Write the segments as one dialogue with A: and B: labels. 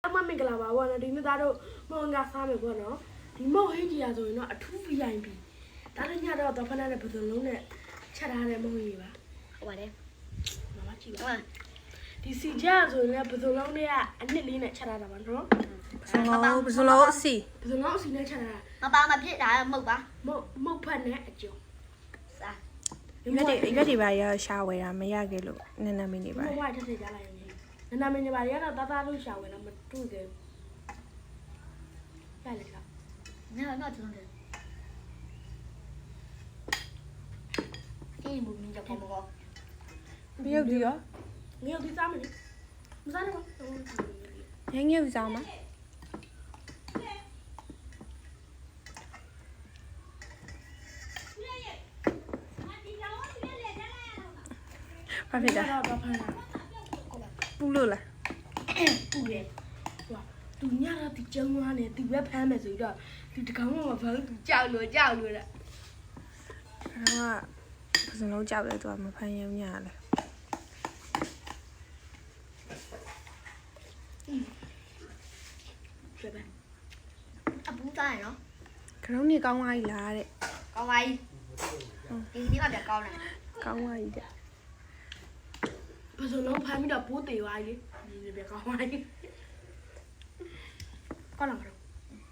A: အမမင်္ဂလာပါဘောနော်ဒီနေ့သားတို့မောင်ကစားမယ်ဘောနော်ဒီမောင်ဟင်းကြီးရဆိုရင်တော့အထူး VIP ဒါလည်းညတော့တော့ဖနာနဲ့ဘယ်လိုလုံးနဲ့ချက်ထားတဲ့မဟုတ်ကြီးပါဟုတ်ပါတယ်မမကြည့်ပါဒီစီကြဆိုရင်လည်းဘယ်လိုလုံးနဲ့ကအနှစ်လေးနဲ့ချက်ထားတာပါနော်
B: ဘယ်လိုလုံးအစီ
A: ဘယ်လိုလုံးအစီနဲ့ချက်ထားတာ
C: မပါမဖြစ်တာမဟုတ်ပါ
A: မုတ်ဖက်နဲ့အကျုံ
C: စား
B: ရွက်တွေပါရရှာဝယ်တာမရခဲ့လို့နည်းနည်းမင်းနေပါ
A: ဘဝထက်ထက်ကြလိုက်ရင်နနာမင်းနေပါရတော့တာတာလို့ရှာဝင်တော့မတွေ့သေးဘူးရလေက
C: နော်တုံးတယ်အေးဘူးမင်းကြောက်ပေါ်ပေါ်
B: မြုပ်ဒီရော
A: ငရုတ်ဒီစားမလို့မစားနဲ့ပါ
B: ငယ်ငယ်စားမှာဘာဖြစ်တာ
A: တော့ဖမ်းတာ
B: ပူလို့လား
A: ပူတယ်ဟိုသူညတော့ဒီကျုံသွားနေသူပဲဖမ်းမယ်ဆိုတော့ဒီတကောင်မှမဖမ်းသူကြောက်လို့တဲ့
B: အဲ့တော့ဘယ်စလုံးကြောက်လဲသူကမဖမ်းရုံညာလဲ
A: ပြပဲ
C: အပူစားရနော်
B: ခရုံးနေကောင်းသွားပြီလားတဲ့
C: ကောင်းပါပြီဒီနေ့ကပြကောင်းတယ်
B: ကောင်းသွားပြီတဲ့
A: ဘယ်လိုလုံးဖမ်းပြီးတော့ပိုးတေသွားပြီဒီပြကောင်းပါပြီကောင်းလားမတော့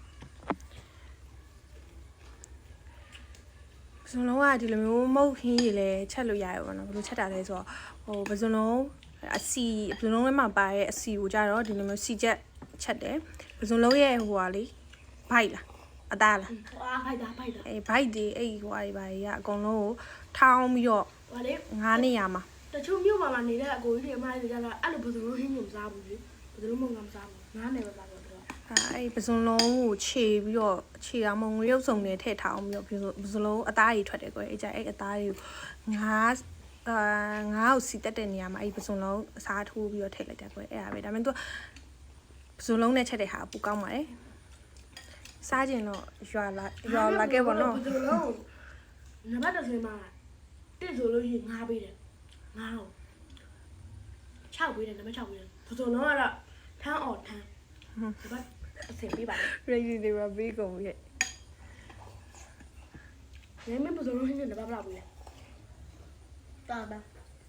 B: ဘယ်စလုံးကဒီလိုမျိုးမုတ်ခင်းကြီးလဲချက်လို့ရရပါတော့ဘယ်လိုချက်တာလဲဆိုတော့ဟိုဘယ်စလုံးအစီဘယ်စလုံးထဲမှာပါတဲ့အစီကိုကြတော့ဒီလိုမျိုးစီချက်ချက်တယ်ဘယ်စလုံးရဲ့ဟိုဟာလေဘိုက်လားအသားလား
A: အာဖိုက်တာ
B: အေးဘိုက်တွေအဲ့ဟိုဟာတွေပါကြီးကအကုန်လုံးကိုထောင်းပြီးတော့
A: ဟောလေ
B: 9နေရာမှာ
A: တချို့မြို့မှာနေတဲ့အကိုကြီးတွေအမကြီးတွေကြတော့အဲ့လိုဘယ်လိုဟင်းကိုမစားဘူးလေဘယ်လိုမှမစားဘူးငါးနယ်ပဲစားတော့တော့
B: အဲ့ပစုံလုံးကိုခြေပြီးတော့ခြေအောင်မငရုပ်စုံနဲ့ထည့်ထားအောင်ပြီးတော့ပစုံလုံးအသားတွေထွက်တယ်ကွယ်အဲ့ကြအဲ့အသားတွေကိုငါးကိုစီတက်တဲ့နေရာမှာအဲ့ပစုံလုံးအစားထိုးပြီးတော့ထည့်လိုက်တယ်ကွယ်အဲ့ဒါပဲဒါပေမဲ့သူပစုံလုံးနဲ့ချက်တဲ့ဟာပူကောင်းပါတယ်စားကျင်တော့ရွာလာခဲ့ပါတော့
A: ဘယ်လိုလုံးနံပါတ်တစ်ဆင်းမှာတစ်ဆိုလို့ရှိရင်ငါးပေးတယ်ငါးကို6ပေးတယ်နံပါတ်6ပေးတယ်ဘယ်လိုလုံးကတော့ထမ်းအော်ထမ်းနံပါတ်အဆင်ပေးပါလေ
B: ready တွေပါပြီးကုန်ပြီ
A: ငယ်မဘယ်လိုလုံးဟင်းနဲ့နံပါတ်ဘယ်လောက်ပေးလဲ
C: တော်ပါ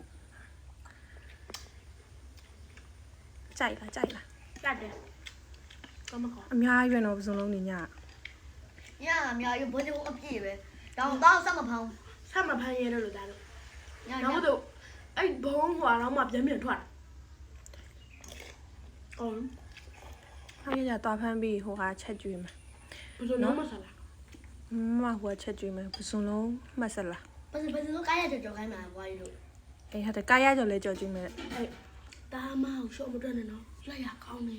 B: ကြိုက်လား
A: တတ်တယ်ကောင်းမကောင်း
B: အများကြီးပဲတော့ပစုံလုံးနေည
C: ညအများကြီးဘိုးတို့အပြည့်ပဲတော့ဆက်မဖောင်း
A: ဆက်မဖမ်းရဲလို့ဒါလို့
C: ည
A: နောက်တော့အဲ့ဘုံဟွာတော့မှပြန်ထွက်အော်
B: ဟာရကြသွားဖမ်းပြီးဟိုဟာချက်ကျွေးမယ်
A: ဘယ်လိုလုံးမဆလာ
B: မဟိုချက်ကျွေးမယ်ပစုံလုံးမှတ်စလား
C: ဘယ်လိုကားရကြော်ခိုင်းမှာဘွားကြီးတို့
B: အေးဟုတ်တယ်ကားရကြော်လဲကြော်ကျွေးမယ်
A: အဲ့တာမအောင်ရှော့မတွက်နဲ့နော်လက်ရကောင်းနေ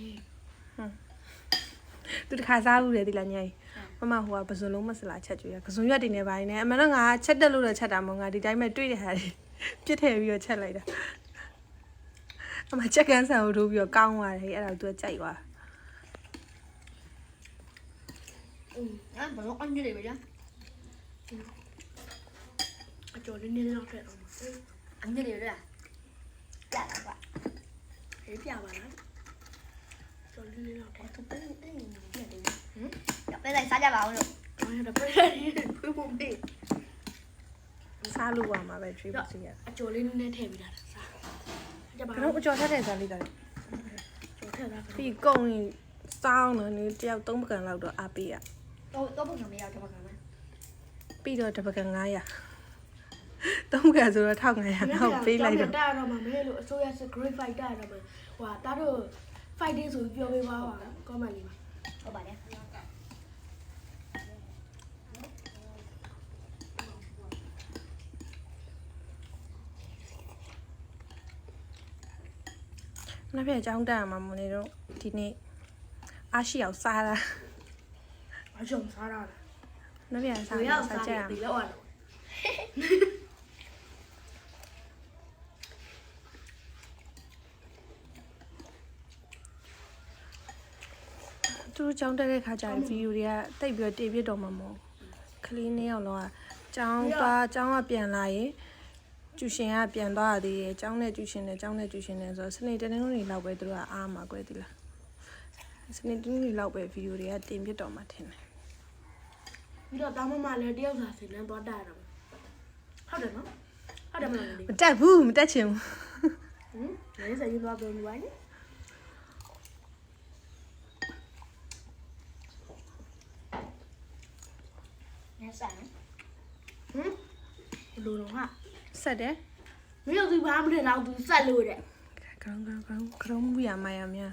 B: သူတခါစားဘူးလေဒီလားညကြီးမမဟိုကပစုံလုံးမစလားချက်ကျွေးရပစုံရွက်တင်နေပါနေအမှန်တော့ငါချက်တက်လို့တော့ချက်တာမဟုတ်ငါဒီတိုင်းပဲတွေ့တဲ့ဟာတွေပြစ်ထည့်ပြီးတော့ချက်လိုက်တာအမချက်ကန်းဆန်ကိုထိုးပြီးတော့ကောင်းသွားတယ်အဲ့ဒါသူကကြိုက်သွား
C: ဘယ်လိုအန်ကြီးတွေပဲကြာ
A: အကျော်လေးနေတော့ထွက်အောင်
C: အန်ကြီးတွေလားကြာတော့ပါ
A: ဟေးပြပါလားကျော်လေးနေတော့ထွက်
C: သူတင်းတင်းနေတယ်ဟမ်ပဲလိုက်စားကြပါဦးလို့
A: အဲ့ဒါပြည့်ဖွေးဖို့ပေး
B: စားလို့ပါမှာပဲ trip စီရ
A: အကျော်လေးနည်းထည့်ပြီးတာစားကြပါ
B: ဘယ်တော့အကျော်ထက်တဲ့စားလေးတာ
A: ကျော်ထည့်တာ
B: ပြီးကုန်းရင်စောင်းတယ်နေတယောက်3ပကံလောက်တော့အားပေးရ
C: တော့ပုံစံမရတော့ပါကမယ်
B: ပြီးတော့တပကံ900 3ပကံဆိုတော့1500နောက်ပေးလိုက်တော့
A: တာတော့မှမဲလို့အစိုးရစ great fighter တော့မှဟိုတာတို့ fighting ဆိုပြောပေးပါပါ comment လေးပါ
C: ဟုတ်ပါတယ်
B: နောက်ပြအကြောင်းတက်ရမှာမနေတော့ဒီနေ့အားရှိအောင်စားတာ
A: အကျော်စားတာ
B: နောက်ပြစား
A: ဘယ်
B: ရ
A: ရောက်
B: စား
A: စား
B: ကြရ
A: တယ်လောက်အောင်
B: သူတို့ကြောင်းတက်တဲ့ခါကျရင်ဗီဒီယိုတွေကတိတ်ပြီးတော့တေပြစ်တော့မှာမဟုတ်ခလေးနှစ်ယောက်လောကကြောင်းကပြန်လာရင်ကျူရှင်ကပြန်သွားရသေးတယ်ကျောင်းနဲ့ကျူရှင်နဲ့ဆိုတော့စနေတနေ့လုံးနေလောက်ပဲသူတို့ကအားမှာကွယ်သီလားစနေတူးလောက်ပဲဗီဒီယိုတွေကတင်ပြတော့မှထင်တယ်
A: ပြီးတော့တာမမလည်းတယောက်စာစင်နှမ်းသွားတက်ရတော့ဟုတ်တယ်နော်ဟုတ်တယ်မလားလေ
B: မတက်ဘူးမတက်ချင်ဘူး
A: ဟင်လေးစရင်သွားပြောနေပါနဲ့
C: ညဆိုင်
A: ဟင်ဘယ်လိုတော့ဟာ
B: ဆက်တယ်
A: မင်းတို့ဘာမှမထင်တော့သူဆက်လို့တဲ့
B: ကရုံးဘူးရမရများ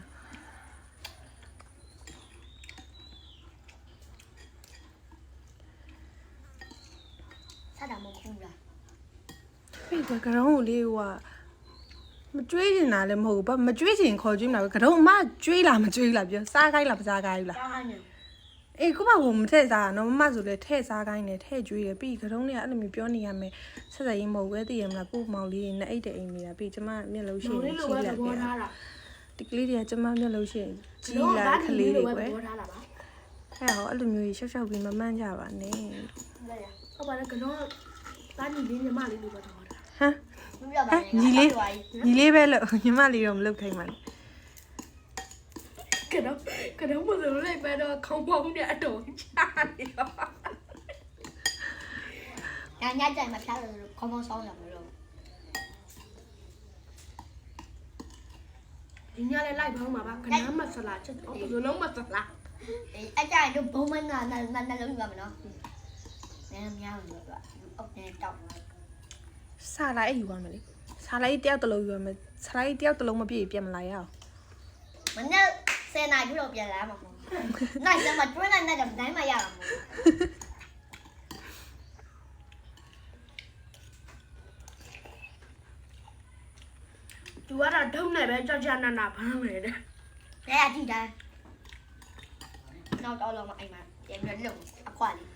C: ဆက်တာမဟုတ်ဘူးလား
B: ဖေးကကရုံးကိုလေးဟိုကမကြွေးနေတာလည်းမဟုတ်ဘူးဘာမကြွေးချင်ခေါ်ကြည့်မလားကရုံးအမကြွေးလားမကြွေးလားပြောစားခိုင်းလားမစားခိုင်းဘူးလား
A: တားဟိုင်းနေ
B: အေးကိုမကမထည့်စားနော်မမဆိုလဲထည့်စားခိုင်းတယ်ထည့်ကြွေးတယ်ပြီးကရုံးတွေကအဲ့လိုမျိုးပြောနေရမယ်ဆက်ဆက်ရင်မဟုတ်ပဲသိရမလားကိုမောင်လေးတွေနဲ့အိတ်တဲ့အိမ်နေတာပြီးကျမမျက်လုံးရှိ
A: မောင်
B: နေ
A: လေးလို
B: ရှိ
A: ပဲ
B: ရ
A: သ
B: ပြ
A: ဘောထားတာ
B: ဒီကလေးတွေကကျမမျက်လုံးရှိရင်ကြီး
A: တော့
B: လာ
A: ဒါ
B: ခ
A: ဒီ
B: လေး
A: လို
B: တွေ
A: ပဲသ
B: ကွယ်
A: ဘောထားတာပါ
B: အဲ့ဟောအဲ့လိုမျိုးကြီးရှောက်ရှောက်ပြီးမမှန်းကြပါနဲ့
A: ဟုတ်ပါတယ်ကတော့တားညီလေးညီမလေးလိုပဲသဘောထား
B: ဟမ်
C: မပြောပါနဲ့
B: ညီလေးပဲလို့ညီမလေးတော့မလုပ်ခိုင်းပါနဲ့
A: ကတော့မလို့လိုက်ပဲတော့ခေါင်းပေါင်းနဲ့အတော်ချနေတော့
C: ညကြိုင်မဖျားလို့ခေါင်းပေါင်းဆောင်းရမလို့
A: ဒီညလေးလိုက်ပေါင်းမှာပါခဏမဆလာချက်တော့ဘယ်လိုလုံးမဆလာ
C: အေးအကြိုင်တို့ဘုံမနာနာလုံးယူပါမယ်နော်နည်းနည်းများလို့ပြောအောက်နေတောက်
B: စားလိုက်ယူပါမယ်လေစားလိုက်တယောက်တစ်လုံးယူပါမယ်စားလိုက်တယောက်တစ်လုံးမပြည့်ပြတ်မလာရအောင်
C: မနေ့10နာရီတော့ပြန်လာမှာမဟုတ်ဘူးနိုင်စမတွင်းနိုင်တဲ့တိုင်းမှာရတာမဟုတ်
A: သူကတော့ဒုံနဲ့ပဲကြောက်ကြနာနာဖမ်းမယ်တဲ့
C: ဘူးလဲအကြည့်တိုင်းနောက်တော့လောမအိမ်မှာပြန်ပြီးလုံအခွာလေး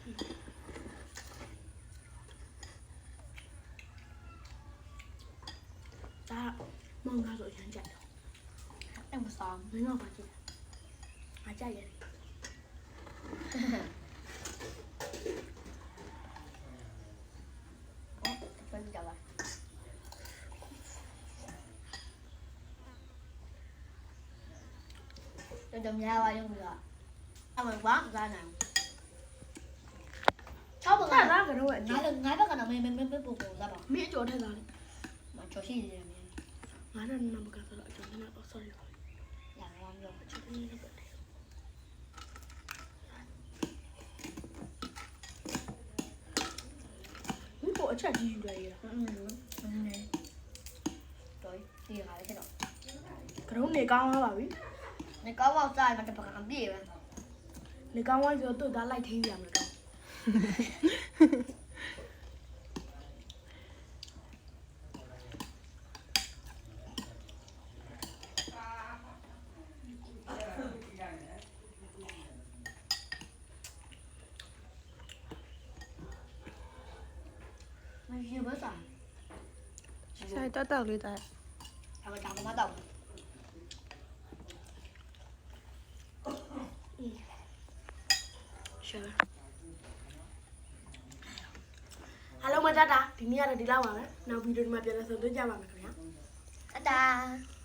A: ဒါမောင်ကားဆိုအရင်ကြိုက်တော့
C: အဲ့မဆောင်
A: မင်းကပါကြည့်ငါကြိုက်ရတယ်
C: ပြန်ကြပါတော့များပါရုံးပြီးတော့အမှန်ဘာစားနိုင်ချောက်ပါ
A: အဲ့
C: က
A: ဒါကတော့အ
C: ငါ
A: ကျိုး
C: လည်းငါဘက်ကတော့မင်းပုံစားပါ
A: မင်းအကျော်ထက်သားလေ
C: မချောရှိနေတယ်မင်း
A: ငါနဲ့နမကဆိုတော့အကျော်နဲ့တော့ sorry
C: ရအောင်ပြော
A: အကျော်နဲ့တော့မင်းကအချက်ကြီးယူလိုက်ရတာ
C: နေတော့ဒီဟာလေးတော့
A: ကတော့နေကောင်းသွားပါပြီ
C: နေကောင်းတော့စားမှတပကံပြေးပဲ
A: နေကောင်းသွားဆိုတော့သူ့သားလိုက်ထိရမယ်တော့
C: မရှိဘူးစား
B: စားတောက်လေးတာ
C: အဲ့ဒါတော့မတော့
A: ရှာအားလုံးမတတ်တာဒီနေ့ကတော့ဒီလောက်ပါပဲနောက်ဗီဒီယိုဒီမှာပြန်လည်ဆုံတွေ့ကြပါမယ်ခင်ဗျာ
C: တာ